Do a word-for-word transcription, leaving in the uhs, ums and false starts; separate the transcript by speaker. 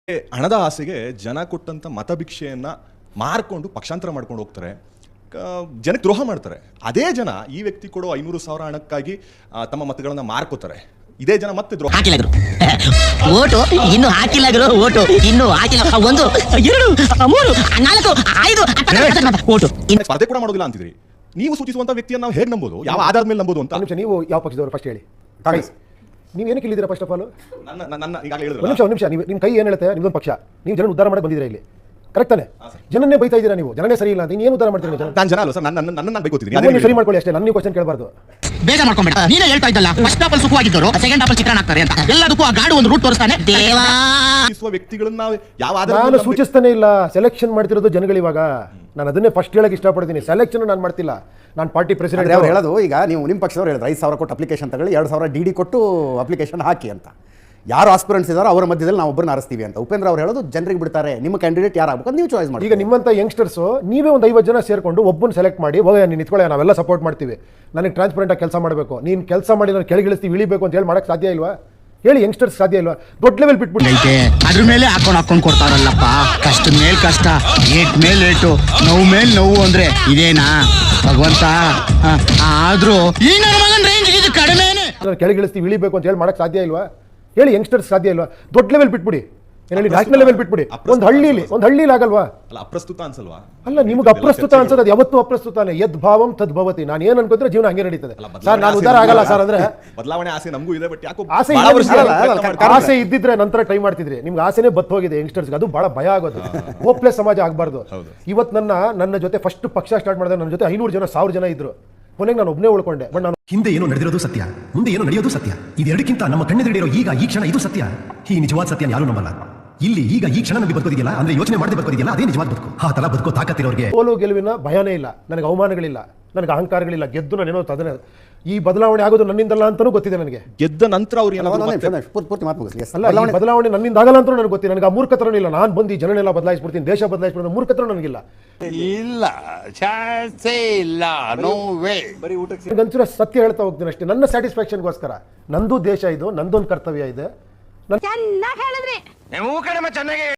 Speaker 1: ಹಣದ ಆಸೆಗೆ ಜನ ಕೊಟ್ಟಂತ ಮತಭಿಕ್ಷೆಯನ್ನ ಮಾರ್ಕೊಂಡು ಪಕ್ಷಾಂತರ ಮಾಡ್ಕೊಂಡು ಹೋಗ್ತಾರೆ, ಜನಕ್ಕೆ ದ್ರೋಹ ಮಾಡ್ತಾರೆ. ಅದೇ ಜನ ಈ ವ್ಯಕ್ತಿ ಕೊಡೋ ಐನೂರು ಸಾವಿರ ಹಣಕ್ಕಾಗಿ ತಮ್ಮ ಮತಗಳನ್ನ ಮಾರ್ಕೋತಾರೆ. ಇದೇ ಜನ ಮತ್ತೆ ದ್ರೋಹ
Speaker 2: ಹಾಕಿಲ್ಲ ಓಟು ಇನ್ನು ಹಾಕಿಲ್ಲ ಓಟು ಇನ್ನು ಹಾಕಿಲ್ಲ ಒಂದು ಎರಡು ಮೂರು ನಾಲ್ಕು ಐದು ಓಟು
Speaker 1: ಸ್ಪರ್ಧೆ ಕೂಡ ಮಾಡೋದಿಲ್ಲ ಅಂತಿದ್ರಿ. ನೀವು ಸೂಚಿಸುವಂತ ವ್ಯಕ್ತಿಯನ್ನು ನಾವು ಹೇಗೆ ನಂಬೋದು, ಯಾವ ಆಧಾರದ ಮೇಲೆ ನಂಬೋದು ಅಂತ.
Speaker 3: ನಿಮಿಷ, ನೀವು ಯಾವ ಪಕ್ಷದವರು ಫಸ್ಟ್ ಹೇಳಿ. ನೀವು ಏನಕ್ಕೆ ಇಲ್ಲಿದ್ದೀರಾ ಫಸ್ಟ್ ಆಫ್ ಆಲ್?
Speaker 1: ನನ್ನ ನನ್ನ ಈಗಾಗಲೇ ಹೇಳಿದ್ರು.
Speaker 3: ಒಂದು ನಿಮಿಷ ಒಂದು ನಿಮಿಷ ನೀವು ನಿಮ್ಮ ಕೈ ಏನು ಹೇಳುತ್ತೆ? ನಿಮ್ಮೊಂದು ಪಕ್ಷ, ನೀವು ಜನ ಉದ್ಧಾರ ಮಾಡಕ್ಕೆ ಬಂದಿದ್ದೀರಾ ಇಲ್ಲಿ, ಕರೆಕ್ಟ್ ತಾನೆ? ಜನನ್ನೇ ಬೈತಾ ಇದ್ದೀರಾ ನೀವು, ಜನನೇ ಸರಿ ಇಲ್ಲ ಅಂತ ಏನು ಉದ್ಧಾರ ಮಾಡ್ತೀರಿ ಜನ?
Speaker 1: ನಾನು ಜನ ಅಲ್ಲ ಸರ್, ನನ್ನ ನನ್ನ ನಾನು ಬೈಕೋತೀನಿ.
Speaker 3: ನೀವು ಸರಿ ಮಾಡ್ಕೊಳ್ಳಿ ಅಷ್ಟೇ, ನನ್ನ ನೀವು ಕ್ವಶನ್ ಕೇಳಬಾರ್ದು.
Speaker 2: ಬೇಗ ಮಾಡ್ಕೊಂಬೇಡ. ನೀನೇ ಹೇಳ್ತಾ ಇದ್ದಲ್ಲ ಫಸ್ಟ್ ಆಫ್ ಆಲ್ ಸುಖವಾಗಿದ್ದರು ಸೆಕೆಂಡ್ ಆಫ್ ಆಲ್ ಚಿತ್ರಣ ಆಗ್ತಾರೆ ಅಂತ. ಎಲ್ಲದಕ್ಕೂ ಆ ಗಾಡು ಒಂದು ರೂಟ್ ತೋರಿಸ್ತಾನೆ. ದೇವಾ
Speaker 1: ವ್ಯಕ್ತಿಗಳನ್ನ ನಾವು ಯಾವ ಆಧಾರ
Speaker 3: ನಾನು ಸೂಚಿಸ್ತಾನೆ ಇಲ್ಲ. ಸೆಲೆಕ್ಷನ್ ಮಾಡ್ತಿರೋದು ಜನಗಳು. ಇವಾಗ ನಾನು ಅದನ್ನೇ ಫಸ್ಟ್ ಹೇಳಕ್ಕೆ ಇಷ್ಟಪಡ್ತೀನಿ. ಸೆಲೆಕ್ಷನ್ ನಾನು ಮಾಡ್ತಿಲ್ಲ, ನಾನು ಪಾರ್ಟಿ ಪ್ರೆಸಿಡೆಂಟ್.
Speaker 4: ಅವ್ರು ಹೇಳೋದು, ಈಗ ನೀವು ನಿಮ್ಮ ಪಕ್ಷದವ್ರು ಹೇಳಿದ್ರು ಐದು ಸಾವಿರ ಕೊಟ್ಟು ಅಪ್ಲಿಕೇಶನ್ ತಗೊಳ್ಳಿ, ಎರಡು ಸಾವಿರ ಡಿ ಡಿ ಕೊಟ್ಟು ಅಪ್ಲಿಕೇಶನ್ ಹಾಕಿ ಅಂತ. ಯಾರು ಆಸ್ಪಿರೆಂಟ್ಸ್ ಇದ್ದಾರೋ ಅವರ ಮಧ್ಯದಲ್ಲಿ ನಾವು ಒಬ್ಬರನ್ನ ಆರಿಸ್ತೀವಿ ಅಂತ. ಉಪೇಂದ್ರ ಅವ್ರು ಹೇಳೋದು ಜನರಿಗೆ ಬಿಡ್ತಾರೆ, ನಿಮ್ಮ ಕ್ಯಾಂಡಿಡೇಟ್ ಯಾರು ಆಗ್ಬೇಕು ನೀವು ಚಾಯ್ಸ್ ಮಾಡಿ.
Speaker 3: ಈಗ ನಿಮ್ಮಂತ ಯಂಗ್ಸ್ಟರ್ಸ್ ನೀವೇ ಒಂದು ಐವತ್ತು ಜನ ಸೇರ್ಕೊಂಡು ಒಬ್ಬನ ಸೆಲೆಕ್ಟ್ ಮಾಡಿ, ಹೋಗ ನೀನು ನಿಂತ್ಕೊಳ್ಳಿ, ನಾವೆಲ್ಲ ಸಪೋರ್ಟ್ ಮಾಡ್ತೀವಿ, ನನಗೆ ಟ್ರಾನ್ಸ್ಪರೆಂಟ್ ಆಗಿ ಕೆಲಸ ಮಾಡಬೇಕು, ನೀನು ಕೆಲಸ ಮಾಡಿ ನಾನು ಕೆಳಗಿಳಿಸ್ತೀವಿ ಇಳಿಬೇಕು ಅಂತ ಹೇಳಿ ಮಾಡಕ್ಕೆ ಸಾಧ್ಯ ಇಲ್ವಾ? ಹೇಳಿ, ಯಂಗ್ಸ್ಟರ್ಸ್ ಸಾಧ್ಯ ಇಲ್ವಾ? ದೊಡ್ಡ ಲೆವೆಲ್ ಬಿಟ್ಬಿಟ್ಟು
Speaker 2: ಅದ್ರ ಮೇಲೆ ಹಾಕೊಂಡು ಹಾಕೊಂಡು ಕೊಡ್ತಾರಲ್ಲಪ್ಪ. ಕಷ್ಟ ಮೇಲ್ ಕಷ್ಟ, ಏಟ್ ಮೇಲ್ ಏಟು, ನೋವು ಮೇಲ್ ನೋವು ಅಂದ್ರೆ ಇದೇನಾ ಭಗವಂತ? ಆದ್ರೂ ಈ ನನ್ನ ಮಗನ ರೇಂಜ್ ಇದು ಕಡಿಮೆನೆ.
Speaker 3: ಕೆಳಗಿಳಿಸ್ತೀವಿ ಇಳಿಬೇಕು ಅಂತ ಹೇಳಿ ಮಾಡಕ್ಕೆ ಸಾಧ್ಯ ಇಲ್ವಾ? ಹೇಳಿ, ಯಂಗ್ಸ್ಟರ್ಸ್ ಸಾಧ್ಯ ಇಲ್ವಾ? ದೊಡ್ಡ ಲೆವೆಲ್ ಬಿಟ್ಬಿಡಿ, ಹೇಳಿ ನ್ಯಾಷನಲ್ ಲೆವೆಲ್ ಬಿಟ್ಬಿಡಿ. ಒಂದು ಹಳ್ಳಿಲಿ ಒಂದು ಹಳ್ಳಿಲಿ ಆಗಲ್ವಾ?
Speaker 1: ಅಲ್ಲ, ಅಪ್ರಸ್ತುತ ಅನ್ಸಲ್ವಾ?
Speaker 3: ಅಲ್ಲ, ನಿಮ್ಗೆ ಅಪ್ರಸ್ತುತ ಅನ್ಸೋದು ಅದು ಯಾವತ್ತೂ ಅಪ್ರಸ್ತುತಾನೆ. ಯದ್ ಭಾವಂ ತದ್ ಭವತಿ. ನಾನು ಏನು ಅನ್ಕೊಂಡ್ರೆ ಜೀವನ ಹಂಗೆ ನಡೀತದೆ ಸರ್. ನಾನು ಉದ್ದಾರ ಆಗಲ್ಲ ಸರ್ ಅಂದ್ರೆ
Speaker 1: ಬದಲಾವಣೆ ಆಸೆ ನಮಗೂ ಇದೆ. ಬಟ್ ಯಾಕೋ
Speaker 3: ಆಸೆ ಆಸೆ ಇದ್ದಿದ್ರೆ ನಂತರ ಟ್ರೈ ಮಾಡ್ತಿದ್ರಿ. ನಿಮ್ಗೆ ಆಸೆನೇ ಬತ್ ಹೋಗಿದೆ ಯಂಗ್ಸ್ಟರ್ಸ್ಗೆ, ಅದು ಬಹಳ ಭಯ ಆಗೋದು. ಹೋಪ್ಲೆಸ್ ಸಮಾಜ ಆಗಬಾರ್ದು. ಇವತ್ತು ನನ್ನ ನನ್ನ ಜೊತೆ ಫಸ್ಟ್ ಪಕ್ಷ ಸ್ಟಾರ್ಟ್ ಮಾಡಿದ್ರೆ ನನ್ನ ಜೊತೆ ಐನೂರು ಜನ ಸಾವಿರ ಜನ ಇದ್ರು. ಕೊನೆಗೆ ನಾನು ಒಬ್ಬನೇ ಉಳ್ಕೊಂಡೆ. ಬಟ್ ನಾನು
Speaker 5: ಹಿಂದೆ ಏನೋ ನಡೆದಿರೋದು ಸತ್ಯ, ಮುಂದೆ ಏನೋ ನಡೆಯೋದು ಸತ್ಯ. ಇದೆರಡಕ್ಕಿಂತ ನಮ್ಮ ಕಣ್ಣೆದುರಿರೋ ಈಗ ಈ ಕ್ಷಣ ಇದು ಸತ್ಯ. ಈ ನಿಜವಾದ ಸತ್ಯ ಯಾರು ನಂಬಲ್ಲ. ಇಲ್ಲಿ ಈಗ ಈ ಕ್ಷಣ ನಮಗೆ ಬದುಕೋದಿಲ್ಲ ಅಂದ್ರೆ ಯೋಚನೆ ಮಾಡದೆ ಬದುಕೋದಿಲ್ಲ, ಅದೇ ನಿಜವಾದ ಬದುಕು. ಆ ತರ ಬದುಕೋ ತಾಕತ್ತಿರೋರಿಗೆ
Speaker 3: ಸೋಲು ಗೆಲುವಿನ ಭಯನೇ ಇಲ್ಲ, ನನಗೆ ಅವಮಾನಗಳಿಲ್ಲ, ನನಗೆ ಅಹಂಕಾರಗಳಿಲ್ಲ. ಗೆದ್ದು ನಾನೇನೋ ಅದನ್ನ ಈ ಬದಲಾವಣೆ ಆಗೋದು ನನ್ನಿಂದಲ್ಲ ಅಂತಾನೂ ಗೊತ್ತಿದೆ ನನಗೆ.
Speaker 1: ಗೆದ್ದ ನಂತರ ಅವ್ರು
Speaker 4: ಪೂರ್ತಿ ಮಾತು ಮುಗಿಸ್ಲಿ.
Speaker 3: ಅಲ್ಲ, ಬದಲಾವಣೆ ನನ್ನಿಂದ ಆಗಲ್ಲ ಅಂತ ನನಗೆ ಗೊತ್ತಿದೆ. ನನಗೆ ಆ ಮೂರ್ಖತನ ಇಲ್ಲ. ನಾನು ಬಂದು ಜನನೆಲ್ಲ ಬದಲಾಯಿಸ್ಬಿಡ್ತೀನಿ, ದೇಶ ಬದಲಾಯಿಸ್ಬಿಡ್ತೀನಿ, ಮೂರ್ಖತನ ನನಗಿಲ್ಲ.
Speaker 6: ಇಲ್ಲ ಚಾನ್ಸೇ ಇಲ್ಲ, ನೋ ವೇ.
Speaker 3: ನನಗಂಚೂರ ಸತ್ಯ ಹೇಳ್ತಾ ಹೋಗ್ತೀನಿ ಅಷ್ಟೇ, ನನ್ನ ಸ್ಯಾಟಿಸ್ಫ್ಯಾಕ್ಷನ್ಗೋಸ್ಕರ. ನಂದು ದೇಶ ಇದು, ನಂದೊಂದು ಕರ್ತವ್ಯ ಇದೆ.
Speaker 7: ಚೆನ್ನಾಗಿ ಹೇಳಿದ್ರಿ.
Speaker 6: ನೀವು ಕಡಿಮೆ ಚೆನ್ನಾಗಿ